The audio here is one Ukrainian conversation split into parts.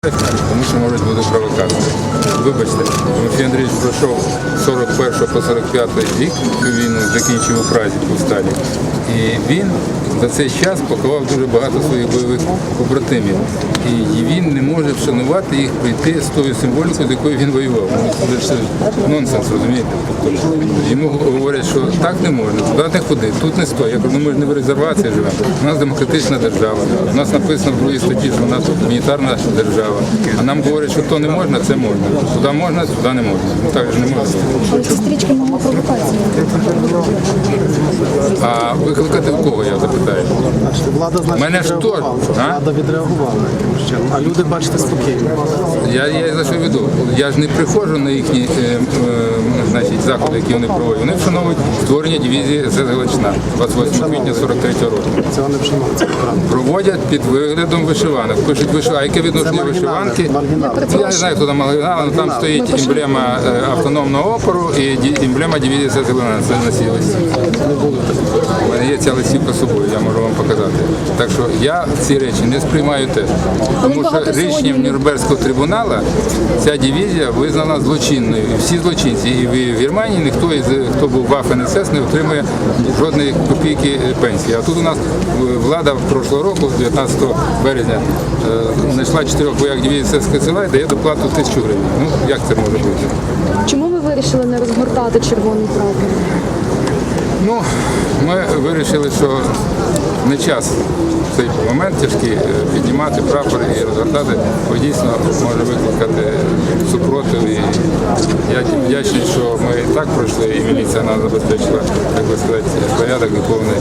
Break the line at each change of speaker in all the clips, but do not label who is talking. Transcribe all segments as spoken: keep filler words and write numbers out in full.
Тому що можуть бути провокації. Вибачте, Тимофій Андрійович пройшов з сорок першого по сорок п'ятий рік, цю війну закінчив у Празі, в Сталі. І він за цей час поховав дуже багато своїх бойових побратимів. І він не може вшанувати їх, прийти з тою символікою, з якою він воював. Це нонсенс, розумієте? Йому говорять, що так не можна, туди не ходи, тут не стой. Я кажу, ну ми ж не в резервації живемо. У нас демократична держава. У нас написано в другій статті, що у нас гуманітарна держава. А нам говорять, що то не можна, це можна. Туди можна, туди не можна. Ну так же не можна.
Але ці стрічки мали провокації.
А викликати в кого, я запитаю?
Влада, значить,
Мене ж
відреагувала.
то, а?
Влада відреагувала. А люди, бачите, спокійно.
Я, я за що веду? Я ж не приходжу на їхні е, е, значить, заходи, які вони проводять. Вони вшановують створення дивізії ес ес Галичина двадцять восьмого квітня сорок третього року.
Цього не вшановується.
Проводять під виглядом вишиванок. Пишуть вишиванки. Яке відношення вишиванки? Ну, я не знаю, хто там маргінал, але там стоїть емблема е, автономного опору і ді- емблема дивізії ес ес Галичина. Це на цій листівці. У мене є ця листівка з собою, я можу вам показати. Так що я ці речі не сприймаю теж. Тому що рішенням Нюрнберзького трибуналу ця дивізія визнана злочинною. І всі злочинці. І в Германії ніхто, із, хто був в еф ен ес ес, не отримує жодної копійки пенсії. А тут у нас влада прошлого року, дев'ятнадцятого березня, знайшла чотирьох вояк дивізії ес ес Галичина і дає доплату тисячу гривень. Ну, як це може бути?
Чому ви вирішили не розгортати червоний прапор?
Ну, ми вирішили, що не час в цей момент тяжкий піднімати прапор і розгортати, бо дійсно може викликати супротив. І я вдячний, що ми і так пройшли, і міліція нас забезпечила, як би сказати, порядок і повний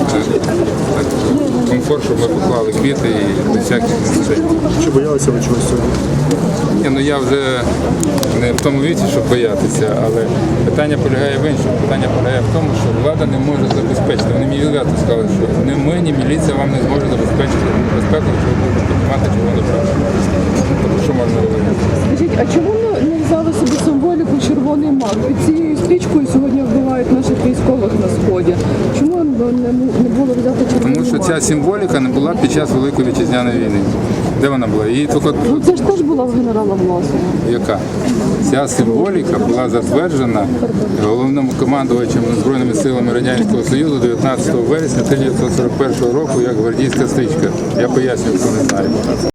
комфорт, щоб ми поклали квіти і без всяких інцидентів.
Чи боялися ви чогось сьогодні?
Ні, ну я вже не в тому віці, щоб боятися, але питання полягає в іншому. Питання полягає в тому, що влада не може забезпечити. Вони мені відверто сказали, що ні ми, ні міліція вам не зможе забезпечити безпеку, що ви будете піднімати червоний прапор. Тобто, що можна говорити?
Скажіть, а чому не взяли собі символіку червоний мак? Під цією стрічкою сьогодні вбивають наших військових на сході. Чому не, не було взяти червоний
Тому що
мак?
ця символіка не була під час Великої Вітчизняної війни. Де вона була? Її тільки...
Ну це ж теж була в генерала Власова.
Яка? Ця символіка була затверджена головним командувачем Збройними силами Радянського Союзу дев'ятнадцятого вересня тисяча дев'ятсот сорок першого року як гвардійська стрічка. Я пояснюю, хто не знає.